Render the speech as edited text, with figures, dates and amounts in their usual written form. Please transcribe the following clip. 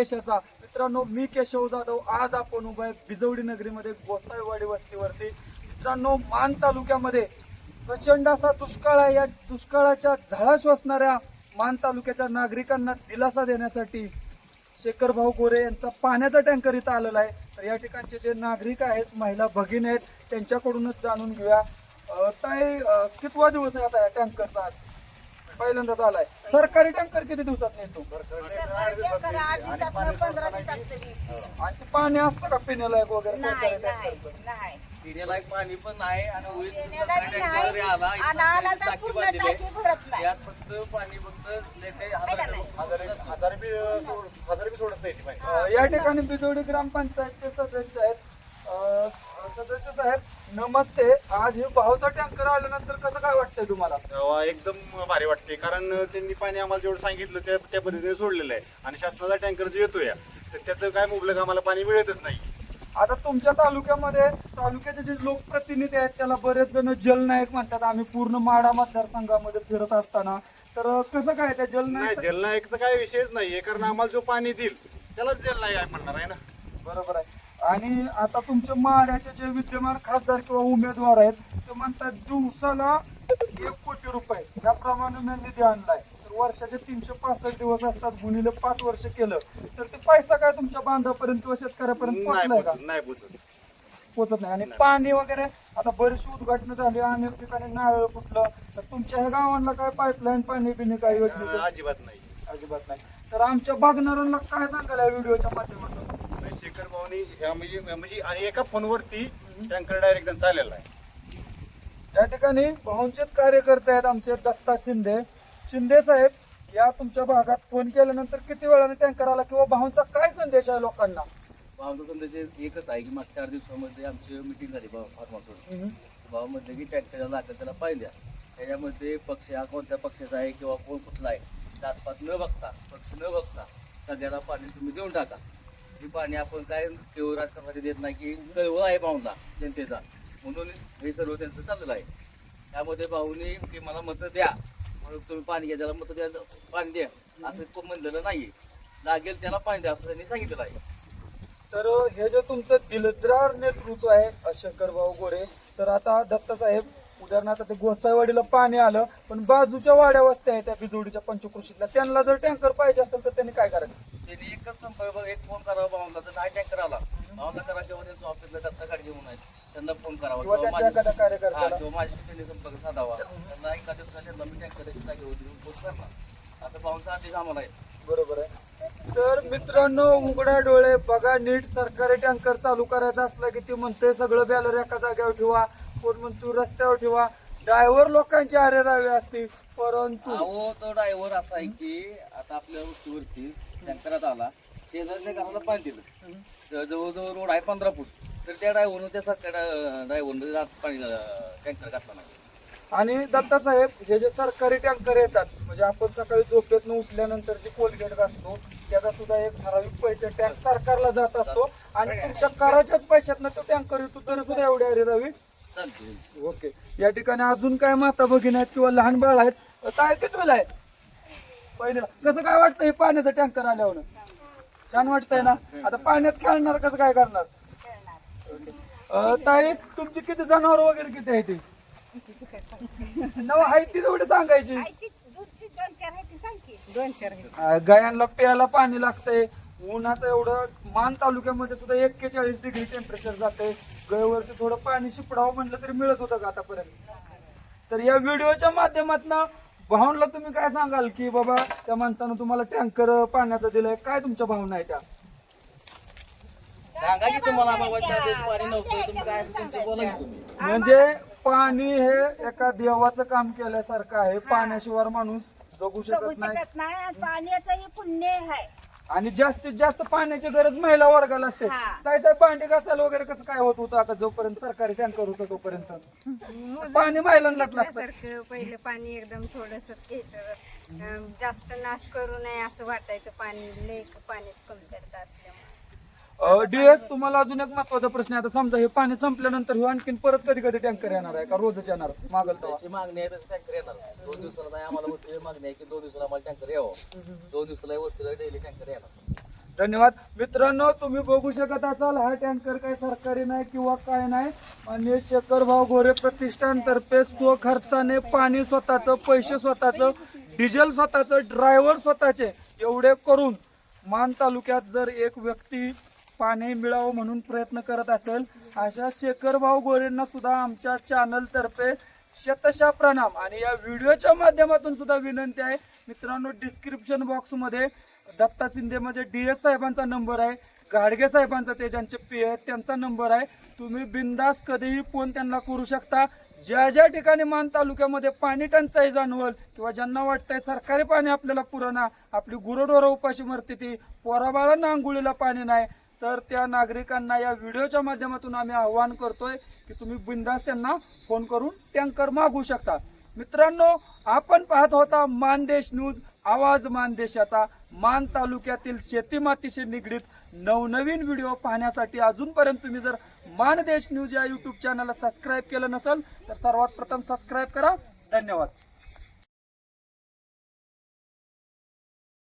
देशाचा. मित्रांनो, मी केशव जाधव. आज आपण उभा आहे बिजवडी नगरीमध्ये गोसाईवाडी वस्तीवरती. मित्रांनो, मान तालुक्यामध्ये प्रचंड असा दुष्काळ आहे. या दुष्काळाच्या झळा श्वसणाऱ्या मान तालुक्याच्या नागरिकांना दिलासा देण्यासाठी शेखर भाऊ गोरे यांचा पाण्याचा टँकर इथं आलेला आहे. तर या ठिकाणचे जे नागरिक आहेत, महिला भगिनी आहेत, त्यांच्याकडूनच जाणून घेऊया. ताई, कितवा दिवस आहे आता या टँकरचा? आज पहिल्यांदाच आलाय. सरकारी टँकर किती दिवसात येतो? आणि ते पाणी असतं का पिण्यालायक वगैरे? सरकारी टँकरचं पिण्यालायक पाणी पण आहे आणि फक्त पाणी फक्त या ठिकाणी बिजवडी ग्रामपंचायतचे सदस्य आहेत. सदस्य साहेब नमस्ते. आज हे भाऊचा टँकर आल्यानंतर कसं काय वाटतंय तुम्हाला? एकदम भारी वाटते, कारण त्यांनी पाणी आम्हाला जेवढं सांगितलं त्या पद्धतीने सोडलेलं आहे. आणि शासनाचा टँकर जो येतोय तर त्याचं काय मुबलक आम्हाला पाणी मिळतच नाही. आता तुमच्या तालुक्याचे जे लोकप्रतिनिधी आहेत त्याला बरेच जण जलनायक म्हणतात. आम्ही पूर्ण माढा मतदारसंघामध्ये फिरत असताना तर कसं काय त्या जलनायकचा काय विषयच नाहीये, कारण आम्हाला जो पाणी देईल त्यालाच जलनायक म्हणणार आहे ना. बरोबर आहे. आणि आता तुमच्या माढ्याचे जे विद्यमान खासदार किंवा उमेदवार आहेत ते म्हणतात दिवसाला 1 कोटी रुपये याप्रमाणे निधी आणलाय. तर वर्षाचे 365 दिवस असतात, गुणिले 5 वर्ष केलं तर ते पैसा काय तुमच्या बांधापर्यंत किंवा शेतकऱ्यापर्यंत पोहोचलाय का? नाही पोचत नाही. आणि पाणी वगैरे आता बरीचशी उद्घाटन झाली, अनेक ठिकाणी नारळ फुटलं. तर तुमच्या ह्या गावांना काय पाईपलाईन पाणी पिणे काय योजनेचं? अजिबात नाही. तर आमच्या बघणाऱ्यांना काय सांगाल या व्हिडिओच्या माध्यमातून? शेखर भाऊनी म्हणजे आणि एका फोनवरती टँकर डायरेक्ट चाललेला आहे. या ठिकाणी भाऊंचेच कार्यकर्ते आहेत आमचे दत्ता शिंदे साहेब. या तुमच्या भागात फोन केल्यानंतर किती वेळाने टँकर आला किंवा भाऊंचा काय संदेश आहे लोकांना? भावाचा संदेश एकच आहे की मागच्या 4 दिवसामध्ये आमची मिटिंग झाली भाव म्हटलं की टँकरला लागेल त्याला पाहिल्या. त्याच्यामध्ये पक्ष हा कोणत्या पक्षाचा आहे किंवा कोण कुठला आहे जातपात न बघता, पक्ष न बघता सगळ्याला पाणी तुम्ही देऊन टाका. हे पाणी आपण काय केवळ राजकारणासाठी देत नाही, की कळवळ आहे भाऊंना जनतेचा, म्हणून हे सर्व त्यांचं चाललेलं आहे. त्यामध्ये भाऊनी की मला मतं द्या म्हणून तुम्ही पाणी घ्या, त्याला मतं द्या, पाणी द्या असं कोण म्हणलेलं नाही. लागेल त्याला पाणी द्या असं त्यांनी सांगितलेलं आहे. तर हे जे तुमचं दिलदार नेतृत्व आहे शेखर भाऊ गोरे, तर आता दत्ता साहेब उदाहरणार्थ ते गोसाईवाडीला पाणी आलं, पण बाजूच्या वाड्या वस्त्या आहेत त्या बिजवडीच्या पंचकृषीतल्या, त्यांना जर टँकर पाहिजे असेल तर त्यांनी काय करायचं? त्यांनी एकच संपर्क, एक फोन करावा भावांना, तर नाही टँकर आला भावांना करा किंवा त्यांचं ऑफिसला दत्ता गाडी घेऊन आहेत त्यांना फोन करावा किंवा त्यांच्या एखाद्या कार्यकर्त्याला किंवा माझ्याशी त्यांनी संपर्क साधावा. त्यांना एका दिवसाला त्यांना मी टँकरची जागेवर देऊन पोच करणार असं भावांचा आदेश आम्हाला आहे. बरोबर आहे. तर मित्रांनो, उघड्या डोळे बघा नीट. सरकारी टँकर चालू करायचा असला की ती म्हणते सगळं बॅलर एका जागेवर ठेवा, कोण म्हणतो रस्त्यावर ठेवा. ड्रायव्हर लोकांची आरेरावी असते, परंतु तो ड्रायव्हर असा आहे की आता आपल्या वस्तीवरती टँकरात आला, शेजारच्या घराला पाणी दिलं, जवळजवळ रोड आहे 15 फूट, तर त्या ड्रायव्हरनं त्या ड्रायव्हरनं पाणी टँकर घातला नाही. आणि दत्ता साहेब, हे जे सरकारी टँकर येतात म्हणजे आपण सकाळी झोपेतनं उठल्यानंतर जे कोलगेट असतो त्याचा सुद्धा एक ठराविक पैसे टँक सरकारला जात असतो आणि तुमच्या कराच्याच पैशातनं तो टँकर येतो, तरी सुद्धा एवढी आरेरावी चालते. ओके. या ठिकाणी अजून काय माता भगिनी आहेत किंवा लहान बाळ आहेत? काय कितवेला आहे? पहिलं. कसं काय वाटतं हे पाण्याचं टँकर आल्यावर? छान वाटतंय ना? आता पाण्यात खेळणार कसं काय करणार? ताई, तुमची किती जनावर वगैरे किती आहे ती? आहे ती तेवढी सांगायची. गायांना प्यायला पाणी लागतंय. उन्हाचं एवढं मान तालुक्यामध्ये सुद्धा 41 डिग्री टेम्परेचर जाते. गयवरती थोडं पाणी शिपडावं म्हणलं तरी मिळत होतं का आतापर्यंत? तर या व्हिडिओच्या माध्यमातून भावनला तुम्ही काय सांगाल की बाबा त्या माणसानं तुम्हाला टँकर पाण्याचा दिलाय, काय तुमच्या भावना आहे त्या? सांगा की तुम्हाला पाणी नव्हतं तुम्ही काय तुमचं बोला की तुम्ही. म्हणजे पाणी हे एका देवाचं काम केल्यासारखं आहे. पाण्याशिवाय माणूस जगू शकत नाही. पाण्याचंही पुण्य आहे. आणि जास्तीत जास्त पाण्याची गरज महिला वर्गाला असते. काय साहेब, भांडी घासायला वगैरे कसं काय होत होतं आता जोपर्यंत सरकारी टँकर होतं तोपर्यंत पाणी महिलांनाच लागतं. पहिलं पाणी एकदम थोडस घ्यायचं, जास्त नाश करू नये असं वाटायचं. पाणी लय पाण्याची कमतरता असल्यामुळे. डीएस, तुम्हाला अजून एक महत्वाचा प्रश्न आहे. आता समजा हे पाणी संपल्यानंतर हे आणखीन परत कधी कधी टँकर येणार आहे का रोजच येणार? मागल अशी मागणी आहे तसं टँकर येणार. 2 दिवसाला नाही आम्हाला वस्तीला मागणी आहे की 2 दिवसाला आम्हाला टँकर यावं. 2 दिवसाला वस्तीला डेली टँकर येणार. धन्यवाद. मित्रांनो, तुम्ही बघू शकत असाल हा टँकर काही सरकारी नाही किंवा काय नाही. माननीय शेखरभाऊ गोरे प्रतिष्ठानतर्फे स्वखर्चाने पाणी स्वतःचं, पैसे स्वतःचं, डिझेल स्वतःचं, ड्रायव्हर स्वतःचे एवढे करून मान तालुक्यात जर एक व्यक्ती पाणी मिळावं म्हणून प्रयत्न करत असेल, अशा शेखरभाऊ गोरेंना सुद्धा आमच्या चॅनलतर्फे शतशः प्रणाम. आणि या व्हिडिओच्या माध्यमातून सुद्धा विनंती आहे मित्रांनो, डिस्क्रिप्शन बॉक्समध्ये दत्ता शिंदे म्हणजे DS साहेबांचा नंबर आहे, गाडगे साहेबांचा ते ज्यांचे पी आहेत त्यांचा नंबर आहे. तुम्ही बिंदास कधीही फोन त्यांना करू शकता. ज्या ज्या ठिकाणी मान तालुक्यामध्ये पाणी टंचाई जाणवल किंवा ज्यांना वाटतंय सरकारी पाणी आपल्याला पुरवणार, आपली गुरंढोरं उपाशी मरते ती, पोराबाळांना आंघोळीला पाणी नाही, तर त्या नागरिकांना या व्हिडिओच्या माध्यमातून आम्ही आव्हान करतोय की तुम्ही बिंदास त्यांना फोन करून टँकर मागवू शकता. मित्रांनो, आपण पाहत होता मानदेश न्यूज, आवाज मानदेशाचा. मान तालुक्यातील शेती मातीशी निगडीत नवनवीन व्हिडिओ पाहण्यासाठी अजूनपर्यंत तुम्ही जर मानदेश न्यूज या YouTube चॅनलला सबस्क्राईब केलं नसेल तर सर्वात प्रथम सबस्क्राईब करा. धन्यवाद.